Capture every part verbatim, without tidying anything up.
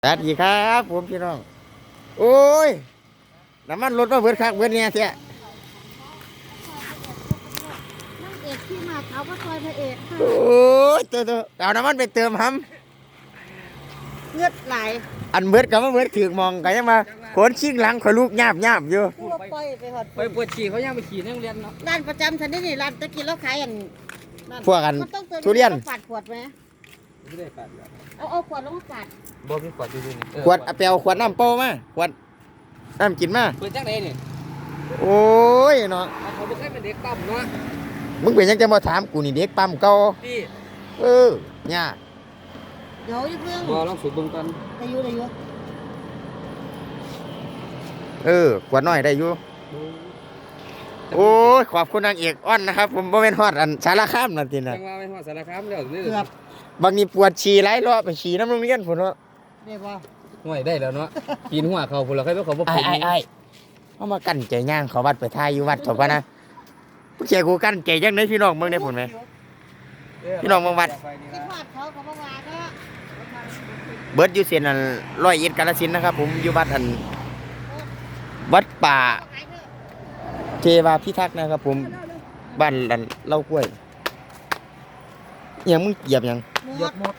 สวัสดีครับผมพี่น้องโอ้ยน้ำมันรถมาเบิดคักเบิดเนี่ยเสียนางเอกที่มาเขาก็คอยพระเอกค่ะโอ้ยเติมเอาน้ำมันไปเติมห้เงือดไหลำอันเบิดกับมาเบิดถือมองกันยังมาขนชิงหลังขอยลูกหยาบหยาบอยู่ทั่วไปไปหอดไปปวดฉี่เขายังไปขี่ในโรงเรียนเนาะร้านประจำฉันนี่นี่ร้านตะกี้เราขายอันพวกกันมันต้องเติมทุเรียนปาดขวดไหมไม่ได้ปัดเอาเอาขวดลงมาปาดบ่มีขวดอยู่นี่ขวดเอาไปเอาขวดน้ำโป้มาขวดน้ำกินมาเปิดจังไหนนี่โอ้ยเนาะเขาบ่เคยเป็นเด็กปั๊มเนาะมึงเป็นยังจะมาถามกูนี่เด็กปั๊มเก่าพี่เออเนี่ยเดี๋ยวอย่าเพิ่งบ่ลองสูบเบิ่งก่อนอายุอายุเออขวดน้อยได้อยู่โอ้ยขอบคุณนางเอกอ้อนนะครับผมบ่เป็นฮอดอันสารคามนั่นตินะจังว่าไปฮอดสารคามแล้วนี่เกือบบางทีปวดฉี่หลายรอบไปฉี่น้ำโรงเรียนพุ่นเนาะได้ป่ะห่วยได้แล้วเนาะปีนหัวเขาพุ่นแล้วใครบ่เขาบ่ไอ้เป็นไอ้ไอ้เอามากั้นใจย่างเขาวัดไปทายอยู่วัดจบกันนะผู้เชี่ยกูกั้นใจจังไดพี่น้องเบิ่งได้ผลไหมพี่น้องเบิ่งวัดคิดว่าเขากับว่าวาก็เบิดอยู่เส้นอันร้อยเอ็ดกาฬสินธุ์นะครับผมอยู่วัดอันวัดป่าขายเถอะเทวาพิทักษ์นะครับผมบ้านอันเล่ากล้วยอิหยังมึงเหยียบหยังหมยดกหมด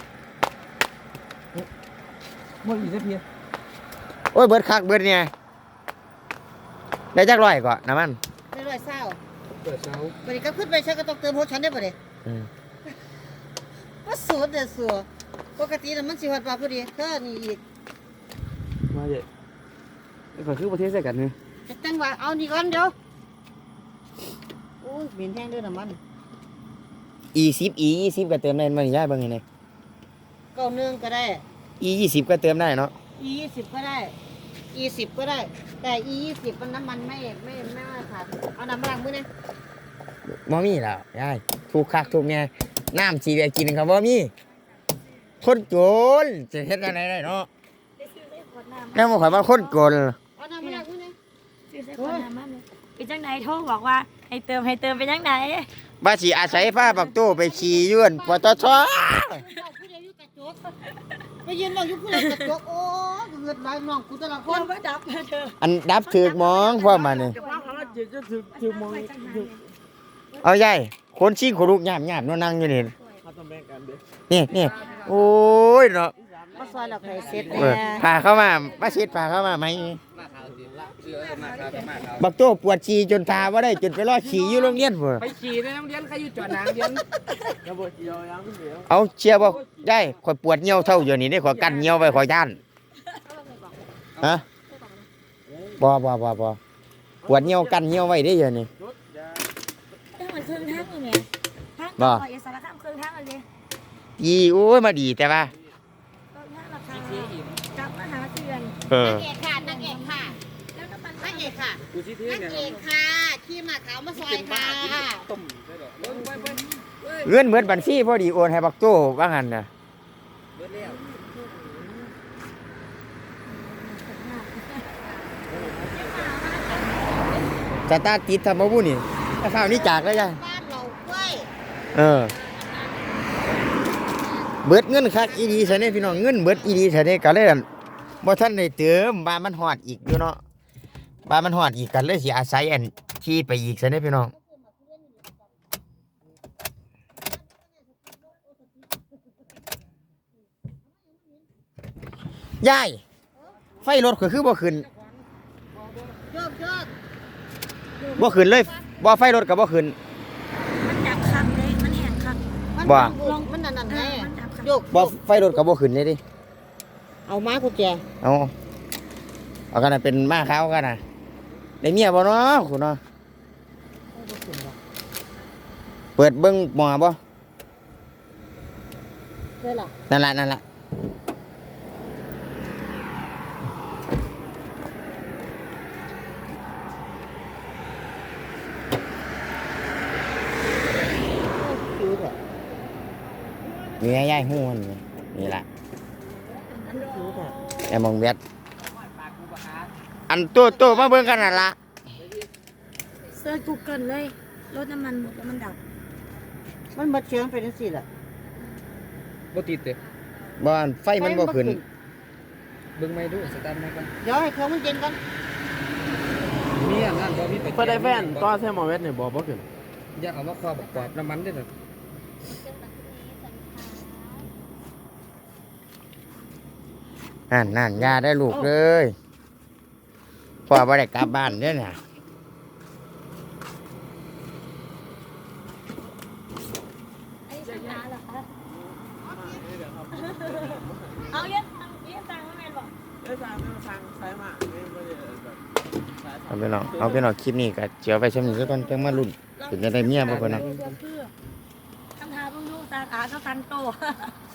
หมดอีกสักทีโอ้ยเบิดคักเบิดเนี่ยได้จักร้อยก่อนน้ำมันได้ร้อยเศร้าเปิดเช้าวันนี้ก็ขึ้นไปฉันก็ต้องเติมหัวฉันได้ป่ะเนี่ยอืมว่าสูตรเด็ดสัวปกติน่ะมันสิหอดปลาพอดีเท่านี้อีกมาเด้ไอ้ข่อยคือประเทศใส่กันนี่จะตั้งว่าเอานี่ก่อนเดี๋ยวโอ้ยเหม็นแห้งด้วยน้ำมันอีสิบอียี่สิบก็เติมได้มันย้ายเบิ่งไงเนี่ยเก้าหนึ่งก็ได้อียี่สิบก็เติมได้เนาะ e ยี่สิบก็ได้ e สิบก็ได้ แต่ e ยี่สิบมันน้ำมันไม่ไม่ไม่ว่าขาดเอาน้ำมันล้างมือนะบ่มีแล้วยายถูกคักถูกเนี่ยน้ำสีได้กินครับบ่มีคนโจรจะเฮ็ดอะไรได้เนาะแม่บ่ข่อยว่าคนโจรเอาน้ำมันล้างมือนะซื้อใส่ขวดน้ำมันเลยเป็นจังไหนโทรบอกว่าให้เติมให้เติมเป็นจังไหนว่าสิอาศัยฟ้าปักตู้ไปขี่ยื่นปตทผู้ใดอยู่กระจกไปยืนเราอยู่ผู้ใดกระจกโอ้ยเกิดหลายน้องกูแต่ละคเรานไม่ดับนะเธออันดับถึกมองพวกมันนี่จะว่าเขาจะจะถึงถึงมองเอายายคนชิงคนลูกหยาบหยาบๆเนาะนั่งอยู่นี่เขาต้องแบ่งกันเด้อนี่นี่โอ้ยเนาะมาซอยเราใครเสร็จเออแน่พาเข้ามามาเช็ดพาเข้ามาไหมมาขาวสิละเชื่อมาขาวมาขาวบักโต้ปวดฉี่จนทาว่าได้จนไปรอฉี่อยู่โรงเรียนพุ่นไปขี่ในโรงเรียนใครอยู่จอดนางเรียนระบบเดียวยังเดียวเอาเชียร์บ่ได้ข่อยปวดเหี่ยวเท่าอยู่นี่ได้ข่อยกั้นเหี่ยวไว้ข่อยย่านฮะบ่บ่บ่บ่ปวดเหี่ยวกั้นเหี่ยวไว้ได้อยู่นี่ถ้ามันเครื่องทั้งอยู่เนี่ยทั้งบ่ต่ออย่าสารคามเครื่องทั้งอะไรอีโอ้ยมาดีแต่ว่าเครื่องทั้งราคากลับมาหาเตือนเออนางเอกค่ะนางเอกค่ะแล้วน้ำมันนางเอกค่ะกูชี้ที่นางเนี่ยเอกค่ะขี้มาขาวมาซอยค่ะต้มได้ดอกเบิ้งไปไปเงินเหมือนบัญชีพอดีโอนให้บักโต้ว่างั้นน่ะเบิ้งแล้วสตาร์ทติดทำบ่บุนี่ถ้าข้าวนี้จากแล้วจ้ะบ้านเรากล้วยเออเบิดเงินคักอีดีซะเนี่ยพี่น้องเงินเบิดอีดีซะเนี่ยก็เลยอั่นบ่ทันได้เติมบ้านมันฮอดอีกอยู่เนาะบ้านมันฮอดอีกกันเลยสิอาศัยอันที่ไปอีกซะเนี่ยพี่น้องยายไฟรถก็คือบ่ขึ้นยอดยอดบ่ขึ้นเลยบ่ไฟรถก็บ่ขึ้นมันดับคักเลยมันแห้งคักมันบ่ลงมันนั่นนั่นไงมันดับคักโยกบ่ไฟรถก็บ่ขึ้นเลยดิเอาไม้กุญแจเอาเอากันนะเป็นมาเขากันนะได้เมียบ่เนาะคุณเนาะเปิดเบิ้งหมอบ่ใช่หรอนั่นละนั่นละนี่ไงยายหูมันนี่นี่ละไอ้มองเวียดอันตัวตัวมาเบิ่งกันนั่นละเซิร์ชกูเกิลเลยรถน้ำมันหมดแล้วมันดับมันมาเชียงไปนั่นสิล่ะบ่ติดเด้บ่อันไฟมันบ่ขึ้นเบิ่งไม่ดูสตาร์ทไม่ก่อนเดี๋ยวให้เครื่องมันเย็นก่อนมีอันนั้นบ่มีไปเพื่อได้แฟนต่อแซมมอเวสเนี่ยบอกบ่ขึ้นอยากเอามาครอบกรอบน้ำมันด้วยเถอะนั่นนั่นยาได้ลูกเลยพ่อบ่ได้กลับบ้านเด้อน่ะอันนี้สัญญาเหรอคะเอาเรียกตังค์เรียกตังค์ว่าแม่นบอกได้ทางทางซ้ายมาไม่ไม่ได้แบบซ้ายเอาไปเนาะเอาไปเนาะคลิปนี้ก็เจียวไปชมอยู่ซะก่อนจังมาลุ้นเป็นจะได้เมียบ่เพิ่นน่ะคือคำถามเพิ่งดูตาขาเขาตันโต